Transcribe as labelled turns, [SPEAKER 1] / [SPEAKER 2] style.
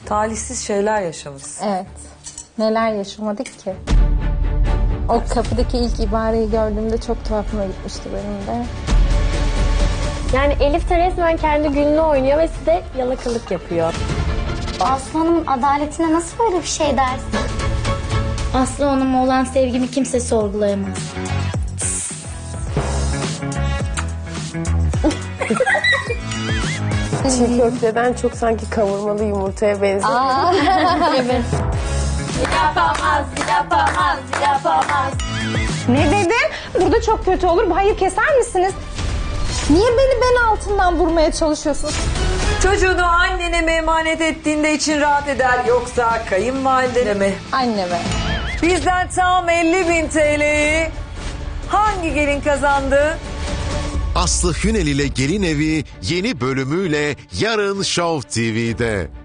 [SPEAKER 1] Talihsiz şeyler yaşamışsın.
[SPEAKER 2] Evet. Neler yaşamadık ki? O kapıdaki ilk ibareyi gördüğümde çok tuhafıma gitmişti benim de.
[SPEAKER 3] Yani Elif de resmen kendi gününü oynuyor ve size yalakalık yapıyor.
[SPEAKER 4] Aslı Hanım adaletine nasıl böyle bir şey dersin? Aslı Hanım'a olan sevgimi kimse sorgulayamaz.
[SPEAKER 5] Çiğ köfteden çok sanki kavurmalı yumurtaya benziyor.
[SPEAKER 4] Evet. Yapamaz.
[SPEAKER 2] Ne dedin? Burada çok kötü olur. Hayır, keser misiniz? Niye beni bel altından vurmaya çalışıyorsunuz?
[SPEAKER 1] Çocuğunu annene mi emanet ettiğinde için rahat eder yoksa kayınvalidene mi?
[SPEAKER 2] Anneme.
[SPEAKER 1] Bizden tam 50.000 TL'yi hangi gelin kazandı?
[SPEAKER 6] Aslı Hünel ile Gelin Evi yeni bölümüyle yarın Show TV'de.